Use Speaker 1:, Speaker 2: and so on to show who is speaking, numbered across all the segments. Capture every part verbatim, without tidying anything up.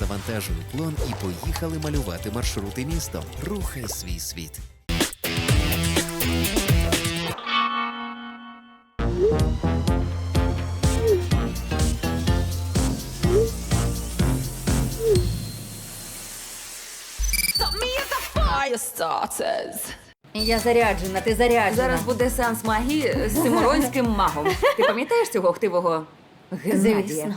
Speaker 1: завантажили плон і поїхали малювати маршрути містом. Рухай свій світ.
Speaker 2: Я заряджена, ти заряджена.
Speaker 3: Зараз буде сеанс магії з циморонським магом. Ти пам'ятаєш цього хтивого Геннадія?
Speaker 2: Звісно.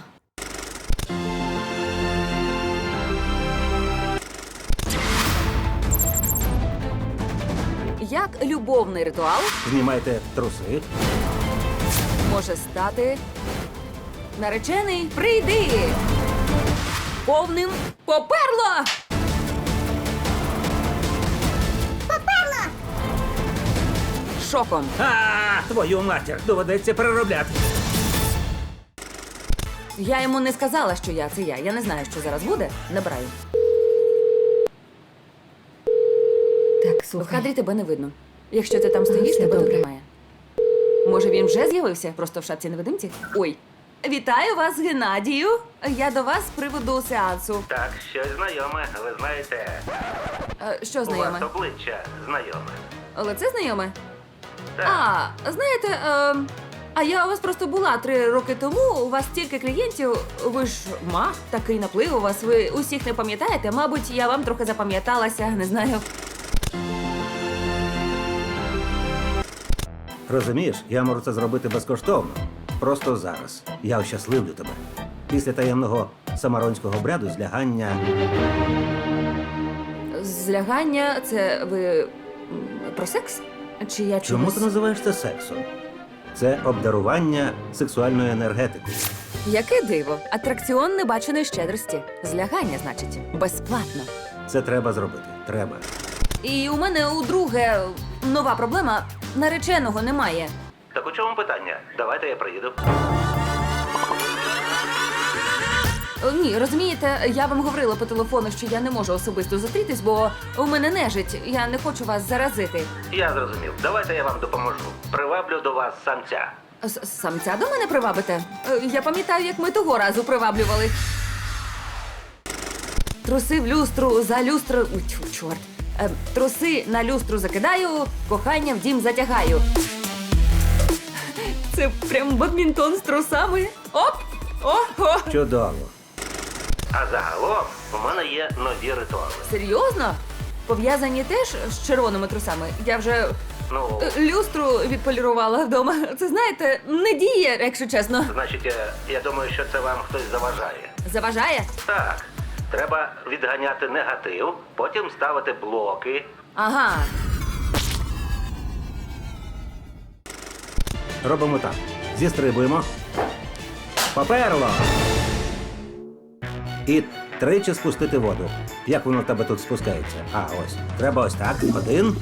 Speaker 3: Як любовний ритуал
Speaker 4: Знімайте труси.
Speaker 3: може стати наречений прийди повним поперло! Поперло! Шоком.
Speaker 4: А, твою матір, доведеться переробляти.
Speaker 3: Я йому не сказала, що я це я. Я не знаю, що зараз буде. Набираю.
Speaker 2: Так,
Speaker 3: В
Speaker 2: слухай.
Speaker 3: кадрі тебе не видно. Якщо ти там стоїш,
Speaker 2: Все
Speaker 3: тебе
Speaker 2: добре.
Speaker 3: немає. Може, він вже з'явився? Просто в шапці невидимці? Ой. Вітаю вас, Геннадію. Я до вас з приводу сеансу.
Speaker 5: Так, щось знайоме, ви знаєте.
Speaker 3: Е, Що
Speaker 5: У
Speaker 3: знайоме?
Speaker 5: вас обличчя знайоме.
Speaker 3: Лице знайоме?
Speaker 5: Так.
Speaker 3: А, знаєте, е, а я у вас просто була три роки тому. У вас стільки клієнтів. Ви ж маг, такий наплив у вас. Ви усіх не пам'ятаєте. Мабуть, я вам трохи запам'яталася, не знаю.
Speaker 4: Розумієш, я можу це зробити безкоштовно. Просто зараз. Я ощасливлю тебе. Після таємного самаронського обряду злягання.
Speaker 3: Злягання це ви м, про секс? Чи я
Speaker 4: Чому
Speaker 3: чомусь...
Speaker 4: ти називаєш це сексом? Це обдарування сексуальною енергетикою.
Speaker 3: Яке диво! Атракціон небаченої щедрості. Злягання, значить, безплатно.
Speaker 4: Це треба зробити. Треба.
Speaker 3: І у мене у друге нова проблема. Нареченого немає.
Speaker 5: Так у чому питання? Давайте я приїду.
Speaker 3: О, Ні, розумієте, я вам говорила по телефону, що я не можу особисто зустрітись, бо у мене нежить. Я не хочу вас заразити.
Speaker 5: Я зрозумів. Давайте я вам допоможу. Приваблю до вас самця.
Speaker 3: С- Самця до мене привабите? Е, Я пам'ятаю, як ми того разу приваблювали. Труси в люстру, за люстру... Ой, тьфу, чорт. Е, Труси на люстру закидаю, кохання в дім затягаю. Це прям бадмінтон з трусами. Оп! Ого!
Speaker 4: Чудово.
Speaker 5: А загалом у мене є нові ритуали.
Speaker 3: Серйозно? Пов'язані теж з червоними трусами? Я вже
Speaker 5: Ну,
Speaker 3: е, люстру відполірувала вдома. Це, знаєте, не діє, якщо чесно.
Speaker 5: значить, я, я думаю, що це вам хтось заважає.
Speaker 3: Заважає?
Speaker 5: Так, треба відганяти негатив, потім ставити блоки.
Speaker 3: Ага.
Speaker 4: Робимо так. Зістрибуємо. Поперло! І тричі спустити воду. Як воно в тебе тут спускається? А, ось. Треба ось так. Один.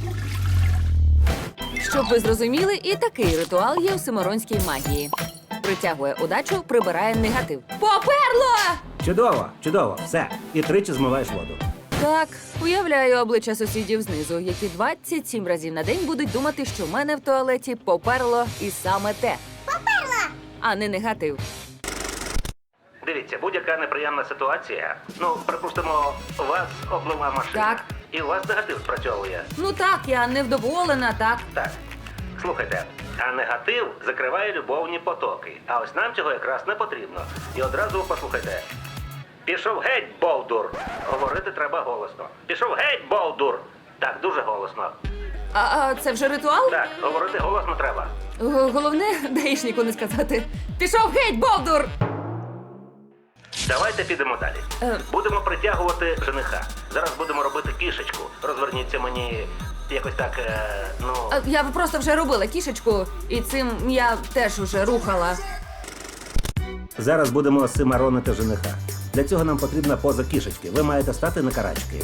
Speaker 3: Щоб ви зрозуміли, і такий ритуал є у симоронській магії. Притягує удачу, прибирає негатив. Поперло!
Speaker 4: Чудово, чудово. Все. І тричі змиваєш воду.
Speaker 3: Так, уявляю обличчя сусідів знизу, які двадцять сім разів на день будуть думати, що в мене в туалеті поперло і саме те. Поперло! А не негатив.
Speaker 5: Дивіться, будь-яка неприємна ситуація. Ну, припустимо, вас облила машина.
Speaker 3: Так.
Speaker 5: І у вас негатив спрацьовує.
Speaker 3: Ну так, я невдоволена, так.
Speaker 5: Так. Слухайте, а негатив закриває любовні потоки. А ось нам цього якраз не потрібно. І одразу послухайте. Пішов геть, Болдур! Говорити треба голосно. Пішов геть, Болдур! Так, дуже голосно.
Speaker 3: А, а це вже ритуал?
Speaker 5: Так, говорити голосно треба.
Speaker 3: Г- Головне, даїшнику не сказати. Пішов геть, Бовдур!
Speaker 5: Давайте підемо далі.
Speaker 3: Е.
Speaker 5: Будемо притягувати жениха. Зараз будемо робити кішечку. Розверніться мені якось так, е, ну...
Speaker 3: А, Я просто вже робила кішечку, і цим я теж уже рухала.
Speaker 4: Зараз будемо симаронити жениха. Для цього нам потрібна поза кішечки. Ви маєте стати на карачки.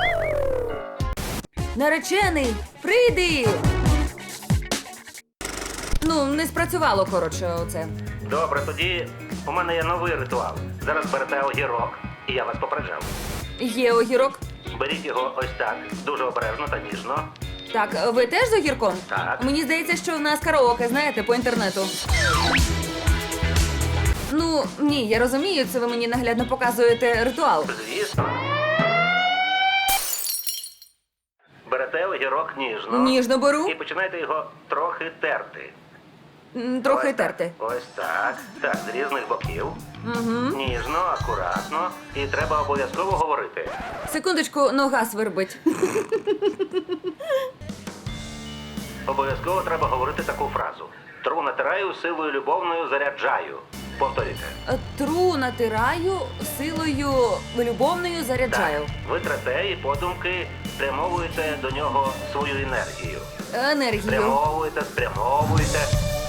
Speaker 3: Наречений, прийди! Ну, не спрацювало, коротше, оце.
Speaker 5: Добре, тоді у мене є новий ритуал. Зараз берете огірок, і я вас попереджав.
Speaker 3: Є огірок.
Speaker 5: Беріть його ось так, дуже обережно та ніжно.
Speaker 3: Так, ви теж з огірком?
Speaker 5: Так.
Speaker 3: Мені здається, що в нас караоке, знаєте, по інтернету. Ну, ні, я розумію, це ви мені наглядно показуєте ритуал.
Speaker 5: Звісно. Берете огірок ніжно.
Speaker 3: Ніжно беру,
Speaker 5: І починаєте його трохи терти.
Speaker 3: м, трохи
Speaker 5: Ось так.
Speaker 3: терти.
Speaker 5: Ось так. Так, з різних боків.
Speaker 3: Угу.
Speaker 5: Ніжно, акуратно. І треба обов'язково говорити.
Speaker 3: Секундочку, нога свербить.
Speaker 5: Обов'язково треба говорити таку фразу. Тру натираю, силою любовною заряджаю. Повторюйте.
Speaker 3: Тру натираю, силою любовною заряджаю.
Speaker 5: Так. Ви трете і подумки спрямовуєте до нього свою енергію.
Speaker 3: Енергію.
Speaker 5: Спрямовуєте, спрямовуєте.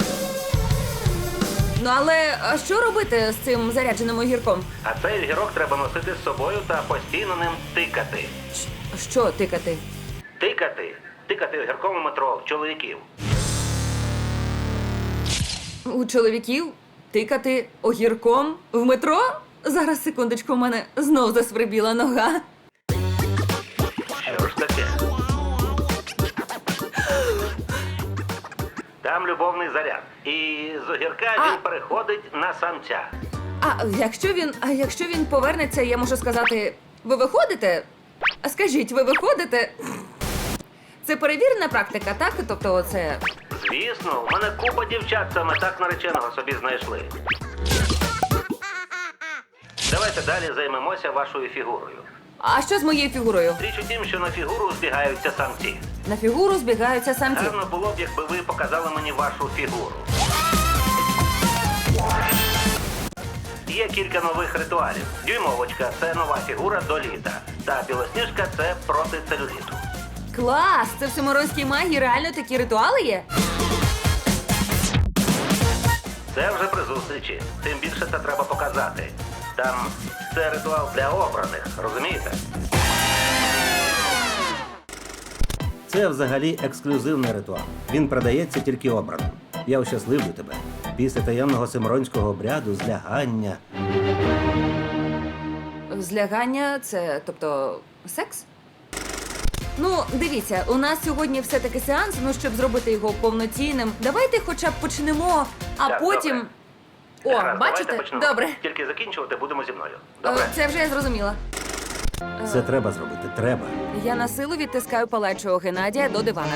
Speaker 3: Ну але а що робити з цим зарядженим огірком?
Speaker 5: А цей огірок треба носити з собою та постійно ним тикати.
Speaker 3: Щ- Що тикати?
Speaker 5: Тикати. Тикати огірком у метро в чоловіків.
Speaker 3: У чоловіків тикати огірком в метро? Зараз, секундочку, у мене знов засвербіла нога.
Speaker 5: Що ж таке? Там любовний заряд. І з огірка
Speaker 3: А.
Speaker 5: він переходить на самця.
Speaker 3: А якщо він, а якщо він повернеться, я можу сказати, ви виходите? А скажіть, ви виходите? Це перевірена практика, так? Тобто це.
Speaker 5: Звісно, у мене купа дівчат саме так нареченого собі знайшли. Давайте далі займемося вашою фігурою.
Speaker 3: А що з моєю фігурою?
Speaker 5: Річ у тім, що на фігуру збігаються самці.
Speaker 3: На фігуру збігаються самці.
Speaker 5: Гарно було б, якби ви показали мені вашу фігуру. Є кілька нових ритуалів. Дюймовочка – це нова фігура до літа. Та білосніжка – це проти целюліту.
Speaker 3: Клас! Це в Симоронській магії реально такі ритуали є?
Speaker 5: Це вже при зустрічі. Тим більше це треба показати. Там це ритуал для обраних, розумієте?
Speaker 4: Це взагалі ексклюзивний ритуал. Він продається тільки обраним. Я ощасливлю тебе. Після таємного симоронського обряду злягання.
Speaker 3: Злягання це, тобто, секс? Ну, дивіться, у нас сьогодні все-таки сеанс, ну, щоб зробити його повноцінним. Давайте хоча б почнемо, а
Speaker 5: Так,
Speaker 3: потім.
Speaker 5: добре.
Speaker 3: О,
Speaker 5: Гаразд,
Speaker 3: бачите?
Speaker 5: давайте почнемо.
Speaker 3: Добре.
Speaker 5: Тільки закінчувати будемо зі мною.
Speaker 3: Е,
Speaker 5: Добре?
Speaker 3: Це вже я зрозуміла.
Speaker 4: Це треба зробити. Треба.
Speaker 3: Я на силу відтискаю палечого Геннадія до дивана.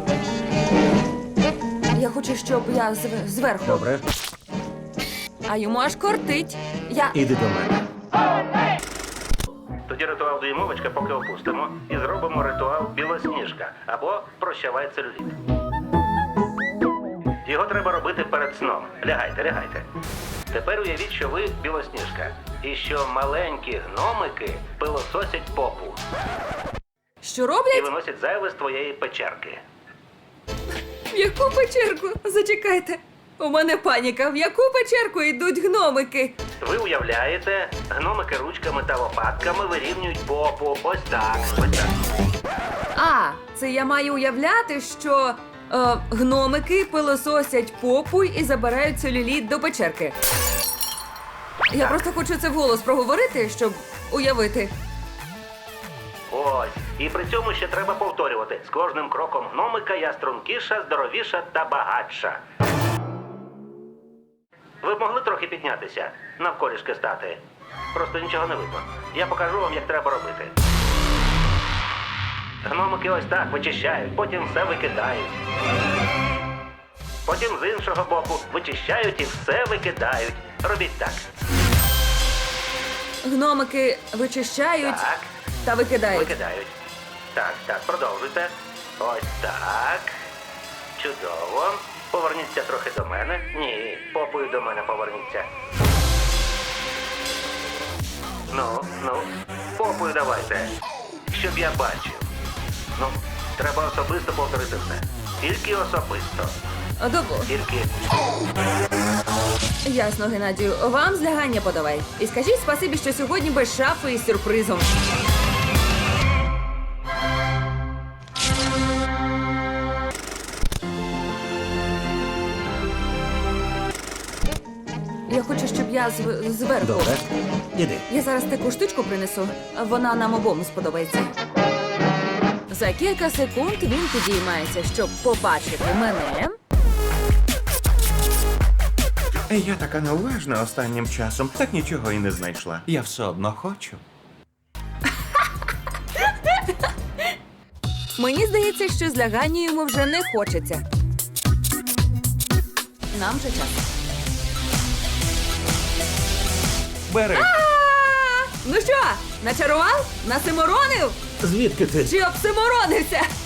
Speaker 3: Я хочу, щоб я зв- зверху,
Speaker 4: Добре?
Speaker 3: а йому аж кортить. Я.
Speaker 4: Іди до мене.
Speaker 5: Тоді ритуал дюймовочка поки опустимо і зробимо ритуал білосніжка або прощавай целюліт. Його треба робити перед сном. Лягайте, лягайте. Тепер уявіть, що ви білосніжка і що маленькі гномики пилососять попу
Speaker 3: Що
Speaker 5: і
Speaker 3: роблять?
Speaker 5: виносять зайве з твоєї печерки.
Speaker 3: В яку печерку? Зачекайте. У мене паніка. В яку печерку йдуть гномики?
Speaker 5: Ви уявляєте, гномики ручками та лопатками вирівнюють попу. Ось так, ось так.
Speaker 3: А, це я маю уявляти, що е, гномики пилососять попу і забирають целюліт до печерки. Я просто хочу це вголос проговорити, щоб уявити.
Speaker 5: Ось. І при цьому ще треба повторювати. З кожним кроком гномика я стрункіша, здоровіша та багатша. Ви б могли трохи піднятися, навколішки стати. Просто нічого не видно. Я покажу вам, як треба робити. Гномики ось так вичищають, потім все викидають. Потім з іншого боку вичищають і все викидають. Робіть так.
Speaker 3: Гномики вичищають
Speaker 5: Так.
Speaker 3: та викидають.
Speaker 5: Викидають. Так, так, продовжуйте. Ось так. Чудово. Поверніться трохи до мене. Ні, попою до мене поверніться. Ну, ну, попою давайте. Щоб я бачив. Ну, треба особисто повторити все. Тільки особисто.
Speaker 3: А, Добре.
Speaker 5: Тільки.
Speaker 3: Ясно, Геннадію. Вам злягання подавай. І скажіть спасибі, що сьогодні без шафи із сюрпризом. Я хочу, щоб я зв- зверху.
Speaker 4: Добре. Іди.
Speaker 3: Я зараз таку штучку принесу. Вона нам обом сподобається. За кілька секунд він підіймається, щоб побачити мене.
Speaker 6: Я така неуважна останнім часом, так нічого і не знайшла. Я все одно хочу.
Speaker 3: Мені здається, що з Ляганію йому вже не хочеться. Нам вже час.
Speaker 6: Бери.
Speaker 3: А! Ну що, начарував? Насиморонив?
Speaker 4: Звідки ти?
Speaker 3: Чи обсиморонився?